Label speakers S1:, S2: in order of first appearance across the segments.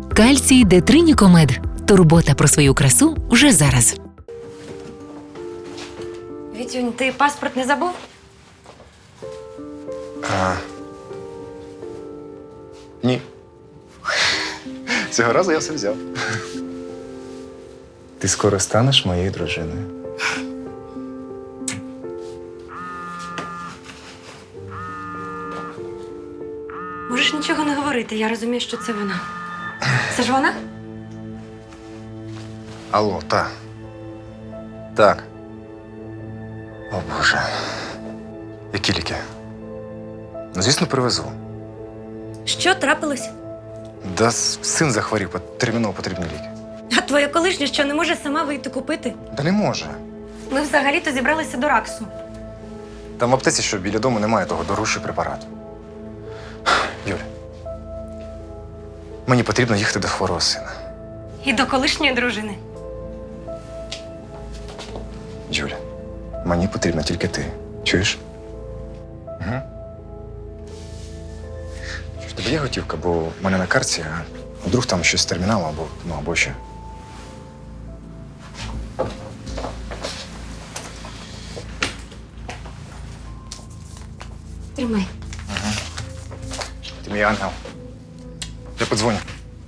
S1: Кальцій Детринікомед. Турбота про свою красу вже зараз.
S2: Вітюнь, ти паспорт не забув?
S3: Ні. Цього разу я все взяв. Ти скоро станеш моєю дружиною.
S2: Можеш нічого не говорити, я розумію, що це вона. Це ж вона?
S3: Алло, та. Так. О, Боже. Які ліки? Ну, звісно, привезу.
S2: Що трапилось?
S3: Да син захворів, терміново потрібні ліки.
S2: А твоя колишня що, не може сама вийти купити?
S3: Да не може.
S2: Ми взагалі-то зібралися до Раксу.
S3: Там в аптеці, що біля дому, немає того дорожчого препарату. Юля, мені потрібно їхати до хворого сина.
S2: І до колишньої дружини.
S3: Юля, мені потрібна тільки ти. Чуєш? Угу. В тебе є готівка, бо в мене на картці, а вдруг там щось з терміналу або ще.
S2: Тримай.
S3: Ти мій ангел. Я подзвоню.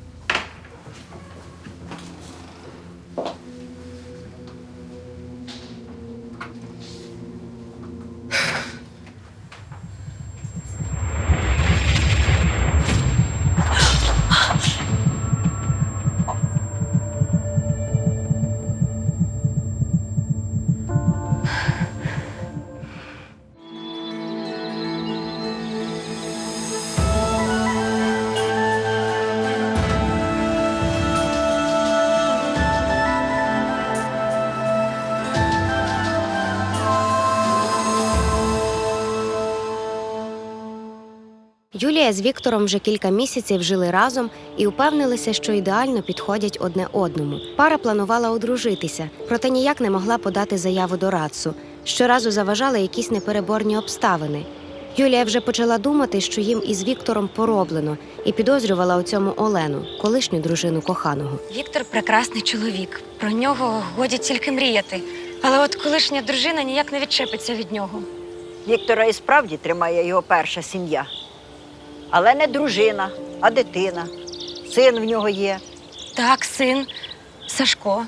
S4: Юлія з Віктором вже кілька місяців жили разом і упевнилися, що ідеально підходять одне одному. Пара планувала одружитися, проте ніяк не могла подати заяву до Рацу. Щоразу заважали якісь непереборні обставини. Юлія вже почала думати, що їм із Віктором пороблено, і підозрювала у цьому Олену, колишню дружину коханого.
S2: Віктор прекрасний чоловік. Про нього годі тільки мріяти. Але от колишня дружина ніяк не відчепиться від нього.
S5: Віктора і справді тримає його перша сім'я. Але не дружина, а дитина. Син в нього є.
S2: Так, син Сашко.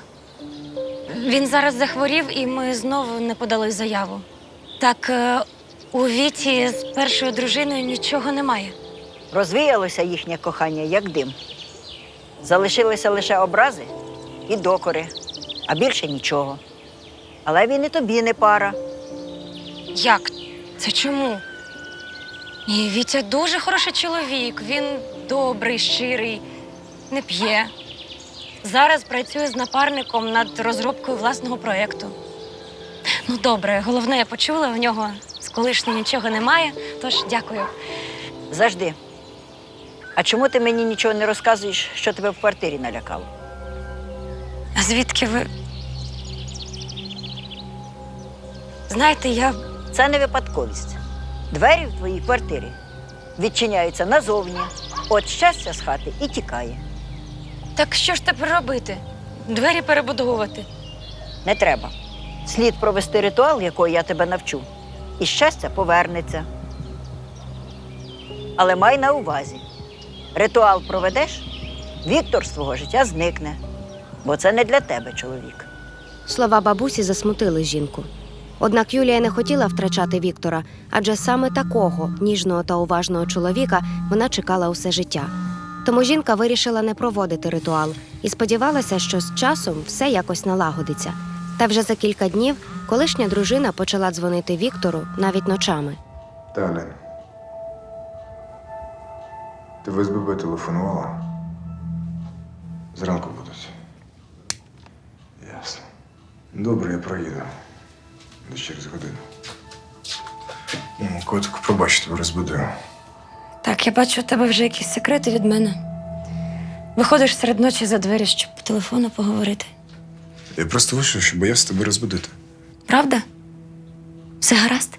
S2: Він зараз захворів, і ми знову не подали заяву. Так, у Віті з першою дружиною нічого немає.
S5: Розвіялося їхнє кохання, як дим. Залишилися лише образи і докори, а більше нічого. Але він і тобі не пара.
S2: Як? Це чому? Ні, Вітя дуже хороший чоловік. Він добрий, щирий, не п'є. Зараз працює з напарником над розробкою власного проєкту. Ну, добре, головне, я почула, в нього з колишньої нічого немає, тож дякую.
S5: Завжди. А чому ти мені нічого не розказуєш, що тебе в квартирі налякало?
S2: А звідки ви? Знаєте, я...
S5: Це не випадковість. Двері в твоїй квартирі відчиняються назовні. От щастя з хати і тікає.
S2: Так що ж тепер робити? Двері перебудовувати?
S5: Не треба. Слід провести ритуал, якого я тебе навчу, і щастя повернеться. Але май на увазі. Ритуал проведеш, Віктор з твого життя зникне. Бо це не для тебе, чоловік.
S4: Слова бабусі засмутили жінку. Однак Юлія не хотіла втрачати Віктора, адже саме такого ніжного та уважного чоловіка вона чекала усе життя. Тому жінка вирішила не проводити ритуал і сподівалася, що з часом все якось налагодиться. Та вже за кілька днів колишня дружина почала дзвонити Віктору навіть ночами.
S3: Та, Лен. Ти в СББ телефонувала? Зранку будуть. Ясно. Добре, я проїду. Десь через годину. Котику, пробач, тебе розбудив.
S2: Так, я бачу, у тебе вже якісь секрети від мене. Виходиш серед ночі за двері, щоб по телефону поговорити.
S3: Я просто вийшов, що боявся тебе розбудити.
S2: Правда? Все гаразд?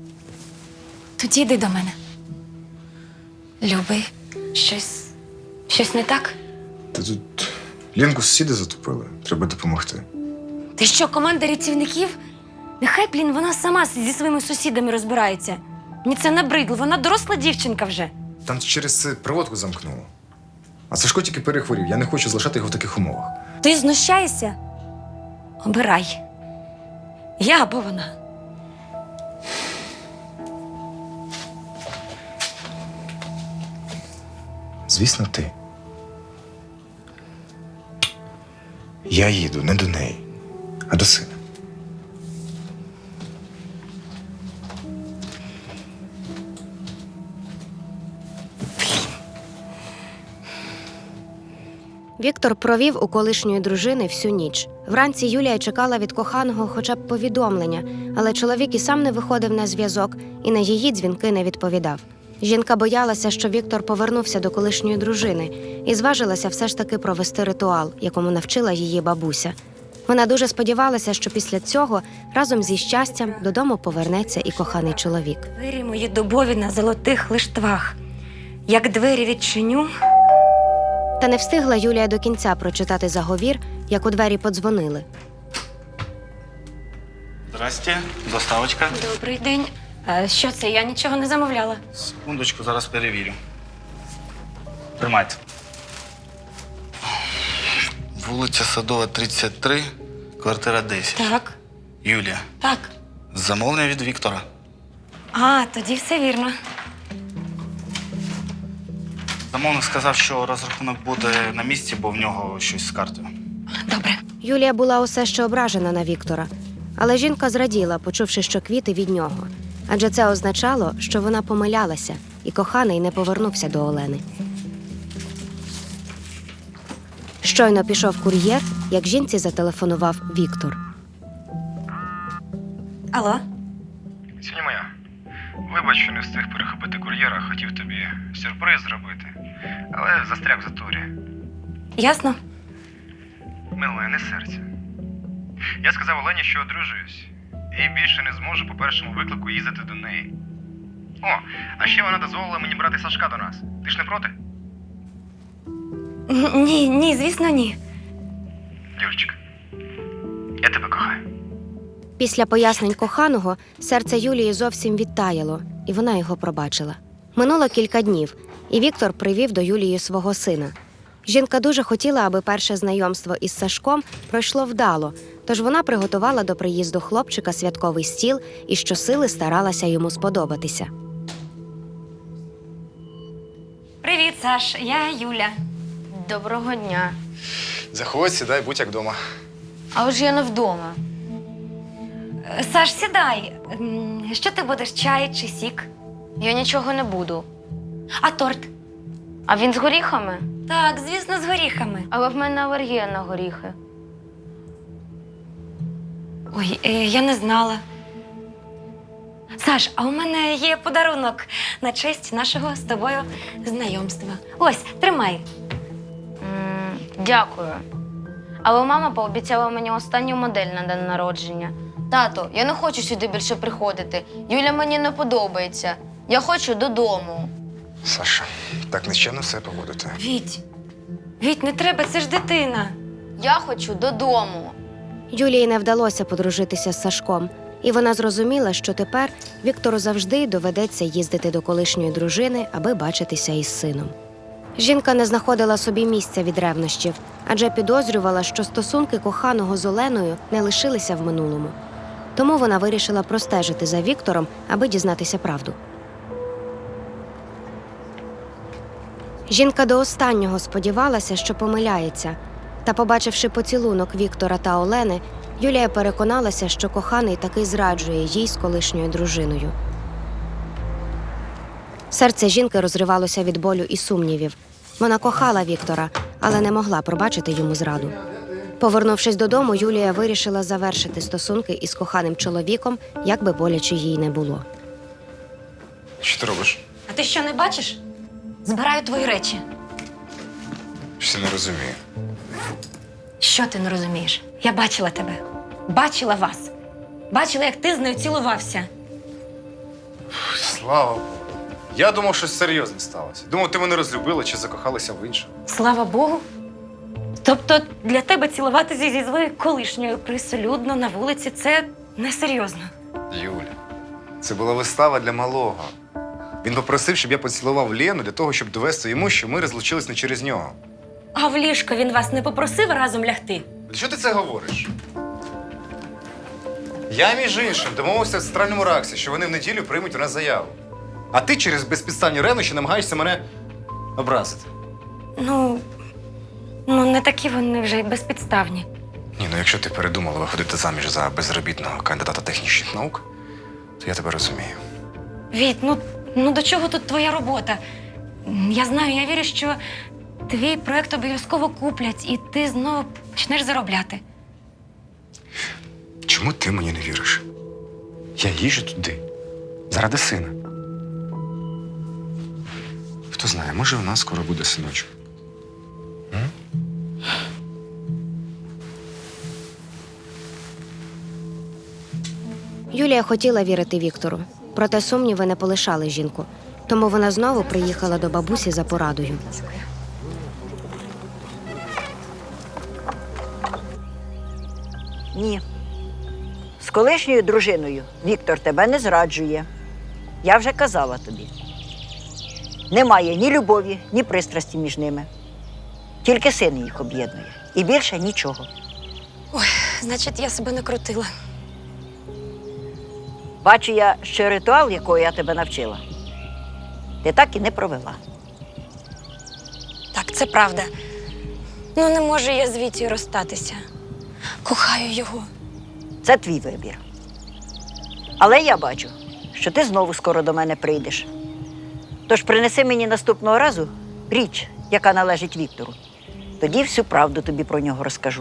S2: Тоді йди до мене. Любий, щось Щось не так?
S3: Та тут Лінку сусіди затопили. Треба допомогти.
S2: Ти що, команда рятівників? Нехай, вона сама зі своїми сусідами розбирається. Мені це набридло, вона доросла дівчинка вже.
S3: Там через це проводку замкнуло. А Сашко тільки перехворів. Я не хочу залишати його в таких умовах.
S2: Ти знущаєшся? Обирай. Я або вона.
S3: Звісно, ти. Я їду не до неї, а до сина.
S4: Віктор провів у колишньої дружини всю ніч. Вранці Юлія чекала від коханого хоча б повідомлення, але чоловік і сам не виходив на зв'язок і на її дзвінки не відповідав. Жінка боялася, що Віктор повернувся до колишньої дружини і зважилася все ж таки провести ритуал, якому навчила її бабуся. Вона дуже сподівалася, що після цього разом зі щастям додому повернеться і коханий чоловік.
S2: Двері мої дубові на золотих лиштвах. Як двері відчиню.
S4: Та не встигла Юлія до кінця прочитати заговір, як у двері подзвонили.
S6: Здрасте, доставочка.
S2: Добрий день. Що це? Я нічого не замовляла.
S6: Секундочку, зараз перевірю. Тримайте. Вулиця Садова, 33, квартира 10.
S2: Так,
S6: Юлія,
S2: так.
S6: замовлення від Віктора.
S2: Тоді все вірно.
S6: Замовник сказав, що розрахунок буде на місці, бо в нього щось з картою.
S2: Добре.
S4: Юлія була усе ще ображена на Віктора. Але жінка зраділа, почувши, що квіти від нього. Адже це означало, що вона помилялася, і коханий не повернувся до Олени. Щойно пішов кур'єр, як жінці зателефонував Віктор.
S2: Алло?
S3: Сьогодні моя. Вибач, що не встиг перехопити кур'єра, хотів тобі сюрприз зробити. Але застряг в заторі.
S2: Ясно?
S3: Милоє, не серця. Я сказав Олені, що одружуюсь. І більше не зможу по першому виклику їздити до неї. О, а ще вона дозволила мені брати Сашка до нас. Ти ж не проти?
S2: Ні, звісно, ні.
S3: Юлечка, я тебе кохаю.
S4: Після пояснень коханого серце Юлії зовсім відтаяло, і вона його пробачила. Минуло кілька днів, і Віктор привів до Юлії свого сина. Жінка дуже хотіла, аби перше знайомство із Сашком пройшло вдало, тож вона приготувала до приїзду хлопчика святковий стіл і щосили старалася йому сподобатися.
S2: Привіт, Саш, я Юля.
S7: Доброго дня.
S3: Заходь, сідай, будь як вдома.
S7: А от ж я не вдома.
S2: Саш, сідай. Що ти будеш, чай чи сік?
S7: Я нічого не буду.
S2: А торт?
S7: А він з горіхами?
S2: Так, звісно, з горіхами.
S7: Але в мене алергія на горіхи.
S2: Ой, я не знала. Саш, а у мене є подарунок на честь нашого з тобою знайомства. Ось, тримай.
S7: Дякую. Але мама пообіцяла мені останню модель на день народження. Тато, я не хочу сюди більше приходити. Юля мені не подобається. Я хочу додому.
S3: Саша, так нечемно все поводити.
S2: Віть, не треба, це ж дитина.
S7: Я хочу додому.
S4: Юлії не вдалося подружитися з Сашком, і вона зрозуміла, що тепер Віктору завжди доведеться їздити до колишньої дружини, аби бачитися із сином. Жінка не знаходила собі місця від ревнощів, адже підозрювала, що стосунки коханого з Оленою не лишилися в минулому. Тому вона вирішила простежити за Віктором, аби дізнатися правду. Жінка до останнього сподівалася, що помиляється. Та, побачивши поцілунок Віктора та Олени, Юлія переконалася, що коханий таки зраджує їй з колишньою дружиною. Серце жінки розривалося від болю і сумнівів. Вона кохала Віктора, але не могла пробачити йому зраду. Повернувшись додому, Юлія вирішила завершити стосунки із коханим чоловіком, як би боляче їй не було.
S3: Що ти робиш?
S2: А ти що, не бачиш? Збираю твої речі.
S3: Ще не розумію.
S2: Що ти не розумієш? Я бачила тебе. Бачила вас. Бачила, як ти з нею цілувався.
S3: Слава Богу. Я думав, щось серйозне сталося. Думав, ти мене розлюбила чи закохалася в іншого.
S2: Слава Богу. Тобто для тебе цілуватися зі своєю колишньою присолюдно на вулиці це несерйозно.
S3: Юля, це була вистава для малого. Він попросив, щоб я поцілував Лену для того, щоб довести йому, що ми розлучились не через нього.
S2: А в ліжко він вас не попросив разом лягти?
S3: Що ти це говориш? Я, між іншим, домовився в центральному раксі, що вони в неділю приймуть у нас заяву. А ти через безпідставні ревнощі намагаєшся мене образити.
S2: Ну, не такі вони вже й безпідставні.
S3: Ні, ну якщо ти передумала виходити заміж за безробітного кандидата технічних наук, то я тебе розумію.
S2: Віт, ну до чого тут твоя робота? Я знаю, я вірю, що твій проект обов'язково куплять, і ти знову почнеш заробляти.
S3: Чому ти мені не віриш? Я їжджу туди. Заради сина. Хто знає, може у нас скоро буде синочок.
S4: Юлія хотіла вірити Віктору, проте сумніви не полишали жінку. Тому вона знову приїхала до бабусі за порадою.
S5: Ні. З колишньою дружиною Віктор тебе не зраджує. Я вже казала тобі. Немає ні любові, ні пристрасті між ними. Тільки син їх об'єднує. І більше нічого.
S2: Значить, я себе не крутила.
S5: Бачу я, що ритуал, якого я тебе навчила, ти так і не провела.
S2: Так, це правда. Не можу я з Вітєю розстатися. Кохаю його.
S5: Це твій вибір. Але я бачу, що ти знову скоро до мене прийдеш. Тож принеси мені наступного разу річ, яка належить Віктору. Тоді всю правду тобі про нього розкажу.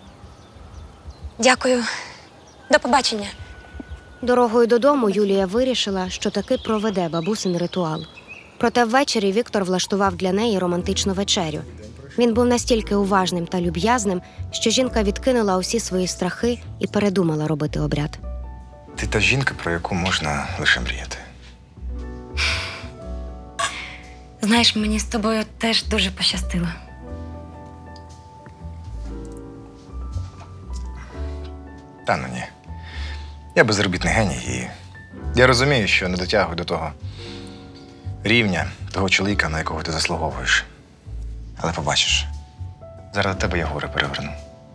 S2: Дякую. До побачення.
S4: Дорогою додому Юлія вирішила, що таки проведе бабусин ритуал. Проте ввечері Віктор влаштував для неї романтичну вечерю. Він був настільки уважним та люб'язним, що жінка відкинула усі свої страхи і передумала робити обряд.
S3: Ти та жінка, про яку можна лише мріяти.
S2: Знаєш, мені з тобою теж дуже пощастило.
S3: Та ну ні. Я безробітний геній і я розумію, що не дотягую до того рівня, того чоловіка, на якого ти заслуговуєш. Але побачиш, заради тебе я гори переверну.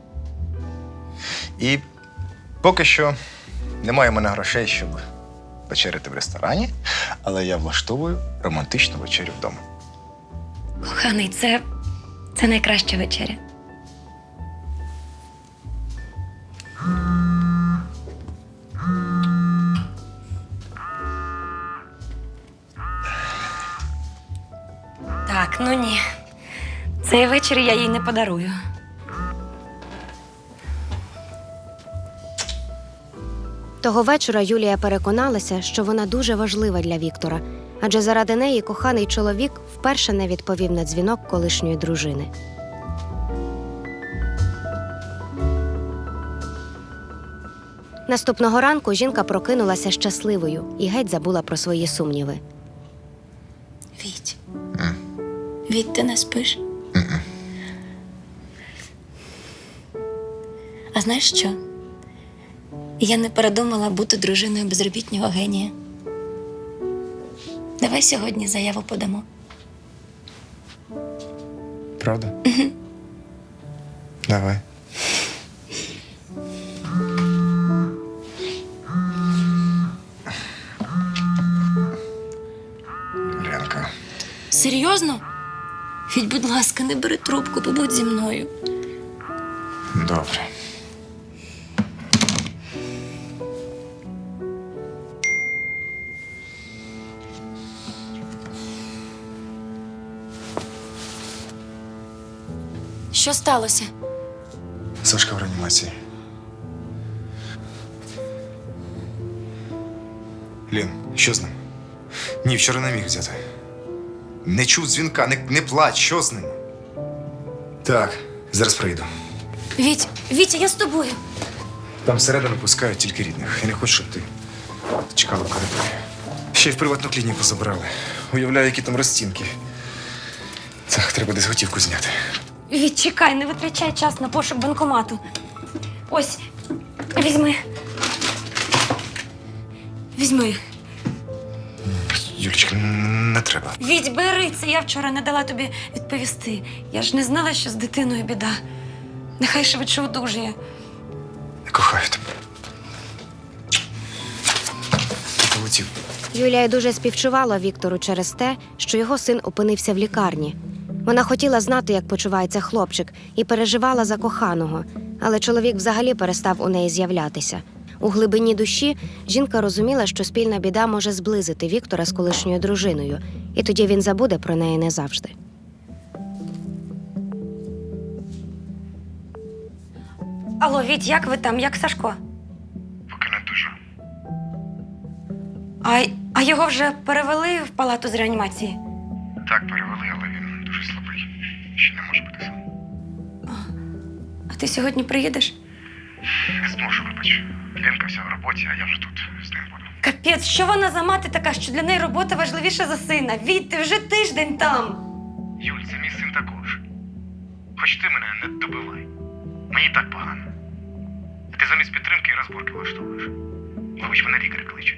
S3: І поки що немає в мене грошей, щоб вечеряти в ресторані, але я влаштовую романтичну вечерю вдома.
S2: Коханий, це найкраща вечеря. Так, ні. Цей вечір я їй не подарую.
S4: Того вечора Юлія переконалася, що вона дуже важлива для Віктора, адже заради неї коханий чоловік вперше не відповів на дзвінок колишньої дружини. Наступного ранку жінка прокинулася щасливою і геть забула про свої сумніви.
S2: Віть. Віть, ти не спиш? А знаєш що? Я не передумала бути дружиною безробітного генія. Давай сьогодні заяву подамо.
S3: Правда? Давай. Ленка.
S2: Серйозно? Віть, будь ласка, не бери трубку, побудь зі мною.
S3: Добре.
S2: Що сталося?
S3: Сашка в реанімації. Лін, що з ним? Ні, вчора не міг взяти. Не чув дзвінка, не плач, що з ним? Так, зараз прийду.
S2: Вітя, я з тобою.
S3: Там всередину пускають тільки рідних. Я не хочу, щоб ти чекала в коридорі. Ще й в приватну клініку забрали.
S8: Уявляю, які там розцінки. Так, треба десь готівку зняти.
S2: Відчекай, не витрачай час на пошук банкомату. Ось, візьми. Візьми.
S8: Юлічка, не треба.
S2: Віть, бери це, я вчора не дала тобі відповісти. Я ж не знала, що з дитиною біда. Нехай швидше одужує.
S8: Я кохаю тебе. Ти полетів.
S4: Юлія дуже співчувала Віктору через те, що його син опинився в лікарні. Вона хотіла знати, як почувається хлопчик, і переживала за коханого, але чоловік взагалі перестав у неї з'являтися. У глибині душі жінка розуміла, що спільна біда може зблизити Віктора з колишньою дружиною, і тоді він забуде про неї назавжди.
S2: Алло, Віть, як ви там? Як Сашко?
S3: Поки не дуже.
S2: А його вже перевели в палату з реанімації?
S3: Так, перевели, але він дуже слабий. Ще не може бути сам.
S2: А ти сьогодні приїдеш?
S3: Не зможу, вибач. Ленка вся в роботі, а я вже тут з ним буду.
S2: Капець, що вона за мати така, що для неї робота важливіша за сина? Віть, ти вже тиждень там.
S3: Юль, це мій син також. Хоч ти мене не добивай. Мені так погано. А ти замість підтримки і розборки влаштовуєш. Вибач, мене лікар кличе.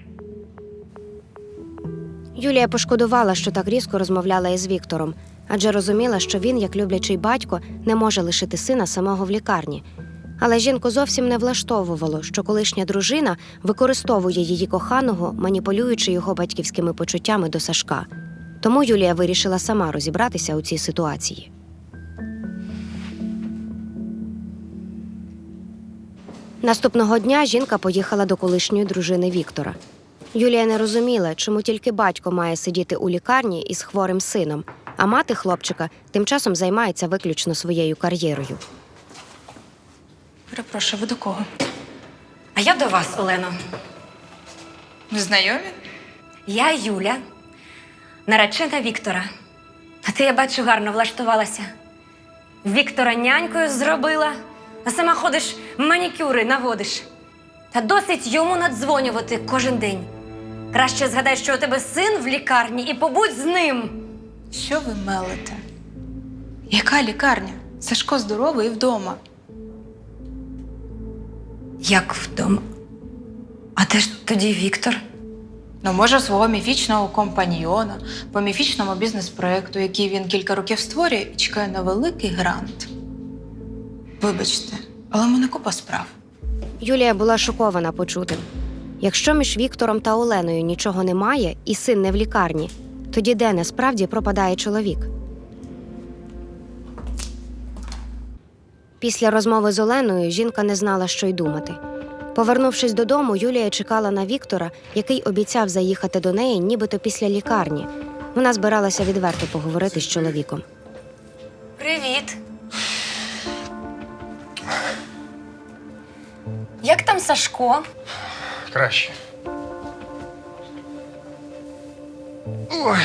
S4: Юлія пошкодувала, що так різко розмовляла із Віктором, адже розуміла, що він, як люблячий батько, не може лишити сина самого в лікарні. Але жінку зовсім не влаштовувало, що колишня дружина використовує її коханого, маніпулюючи його батьківськими почуттями до Сашка. Тому Юлія вирішила сама розібратися у цій ситуації. Наступного дня жінка поїхала до колишньої дружини Віктора. Юлія не розуміла, чому тільки батько має сидіти у лікарні із хворим сином, а мати хлопчика тим часом займається виключно своєю кар'єрою.
S9: Перепрошую, ви до кого?
S2: А я до вас, Олено.
S9: Ви знайомі?
S2: Я Юля, наречена Віктора. А ти, я бачу, гарно влаштувалася. Віктора нянькою зробила, а сама ходиш, манікюри наводиш. Та досить йому наддзвонювати кожен день. Краще згадай, що у тебе син в лікарні, і побудь з ним.
S9: Що ви мелите? Яка лікарня? Сашко здоровий і вдома.
S2: Як вдома? А де ж тоді Віктор?
S9: Ну, може, свого міфічного компаньйона по міфічному бізнес-проєкту, який він кілька років створює і чекає на великий грант. Вибачте, але в мене купа справ.
S4: Юлія була шокована почутим. Якщо між Віктором та Оленою нічого немає і син не в лікарні, тоді де насправді пропадає чоловік? Після розмови з Оленою жінка не знала, що й думати. Повернувшись додому, Юлія чекала на Віктора, який обіцяв заїхати до неї нібито після лікарні. Вона збиралася відверто поговорити з чоловіком.
S2: Привіт. Як там Сашко?
S8: Краще. Ой.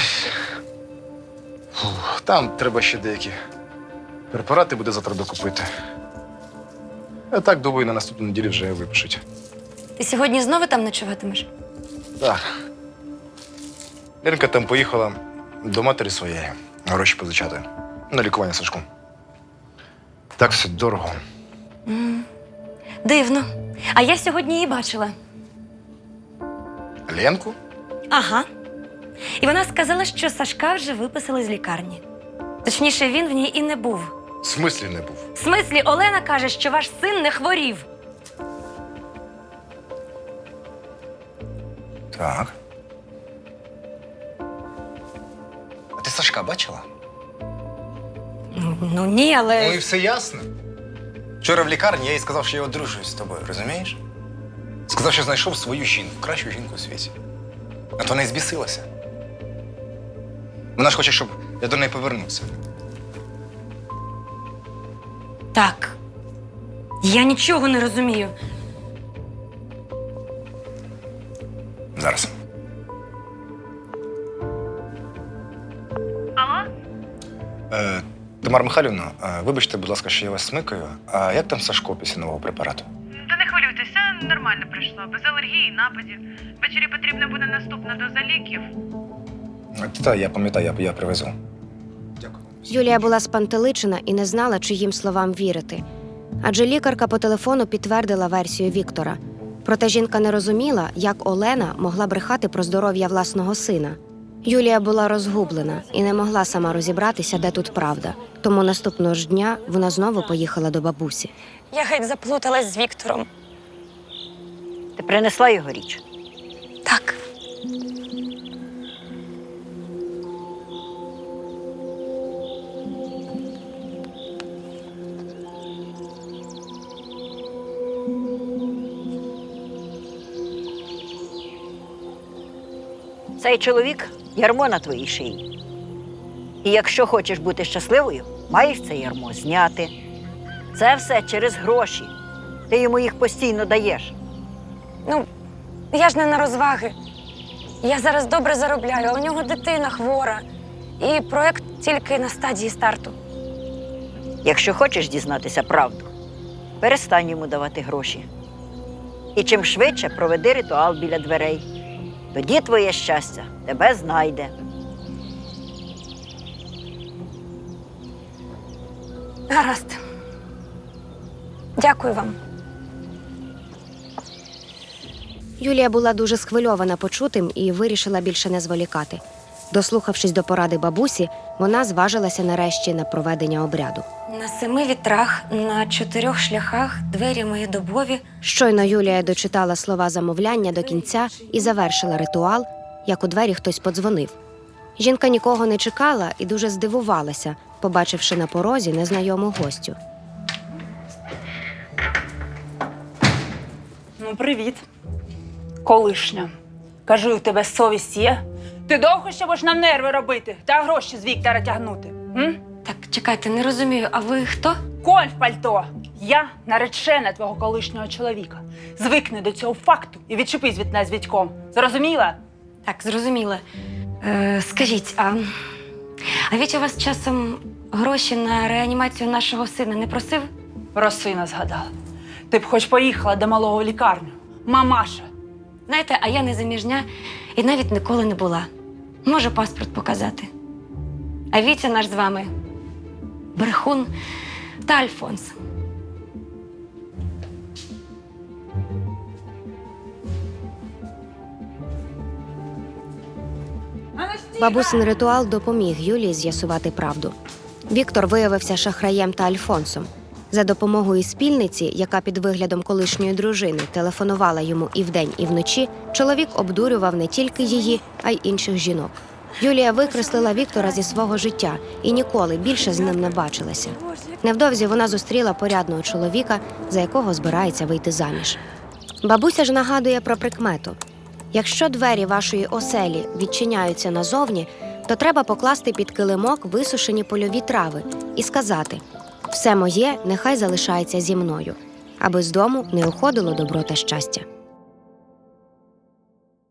S8: Фух, там треба ще деякі препарати буде завтра докупити. А так, думаю, на наступній неділі вже випишуть.
S2: Ти сьогодні знову там ночуватимеш?
S8: Так. Ленка там поїхала до матері своєї гроші позичати. На лікування Сашку. Так все дорого.
S2: Дивно. А я сьогодні її бачила.
S8: Ленку?
S2: Ага. І вона сказала, що Сашка вже виписали з лікарні. Точніше, він в ній і не був.
S8: В смислі не був.
S2: В смислі, Олена каже, що ваш син не хворів.
S8: Так. А ти Сашка бачила?
S2: Ну ні, але...
S8: Ну і все ясно. Вчора в лікарні я їй сказав, що я одружуюсь з тобою, розумієш? Сказав, що знайшов свою жінку, кращу жінку у світі. А то вона і збісилася. Вона ж хоче, щоб я до неї повернувся.
S2: Так. Я нічого не розумію.
S8: Зараз.
S10: Алло?
S8: Тамара Михайлівна, вибачте, будь ласка, що я вас смикаю. А як там Сашко після нового препарату?
S10: Та не хвилюйтесь, все нормально пройшло, без алергії, нападів. Ввечері потрібна буде наступна доза ліків.
S8: Та, я пам'ятаю, я привезу. Дякую.
S4: Юлія була спантеличена і не знала, чиїм словам вірити. Адже лікарка по телефону підтвердила версію Віктора. Проте жінка не розуміла, як Олена могла брехати про здоров'я власного сина. Юлія була розгублена і не могла сама розібратися, де тут правда. Тому наступного ж дня вона знову поїхала до бабусі.
S2: Я геть заплуталась з Віктором.
S5: Ти принесла його річ?
S2: Так.
S5: Цей чоловік – ярмо на твоїй шиї. І якщо хочеш бути щасливою, маєш це ярмо зняти. Це все через гроші. Ти йому їх постійно даєш.
S2: Ну, я ж не на розваги. Я зараз добре заробляю, а у нього дитина хвора. І проект тільки на стадії старту.
S5: Якщо хочеш дізнатися правду, перестань йому давати гроші. І чим швидше проведи ритуал біля дверей. Тоді твоє щастя тебе знайде.
S2: Гаразд. Дякую вам.
S4: Юлія була дуже схвильована почутим і вирішила більше не зволікати. Дослухавшись до поради бабусі, вона зважилася нарешті на проведення обряду.
S2: На 7 вітрах, на 4 шляхах двері мої добові.
S4: Щойно Юлія дочитала слова замовляння до кінця і завершила ритуал, як у двері хтось подзвонив. Жінка нікого не чекала і дуже здивувалася, побачивши на порозі незнайому гостю.
S10: Ну, привіт. Колишня. Кажу, в тебе совість є? Ти довго ще будеш нам нерви робити та гроші з Віктора тягнути? М?
S2: Так, чекайте, не розумію, а ви хто?
S10: Конь в пальто. Я наречена твого колишнього чоловіка. Звикни до цього факту і відчепись від нас з Вітьком. Зрозуміла?
S2: Так, зрозуміла. Скажіть, а Вітя вас часом гроші на реанімацію нашого сина не просив?
S10: Про сина згадала. Ти б хоч поїхала до малого в лікарню. Мамаша.
S2: Знаєте, а я не заміжня і навіть ніколи не була. Можу паспорт показати. А Вітя наш з вами брехун та Альфонс.
S4: Бабусин ритуал допоміг Юлії з'ясувати правду. Віктор виявився шахраєм та Альфонсом. За допомогою спільниці, яка під виглядом колишньої дружини телефонувала йому і вдень, і вночі, чоловік обдурював не тільки її, а й інших жінок. Юлія викреслила Віктора зі свого життя і ніколи більше з ним не бачилася. Невдовзі вона зустріла порядного чоловіка, за якого збирається вийти заміж. Бабуся ж нагадує про прикмету. Якщо двері вашої оселі відчиняються назовні, то треба покласти під килимок висушені польові трави і сказати «Все моє нехай залишається зі мною», аби з дому не уходило добро та щастя.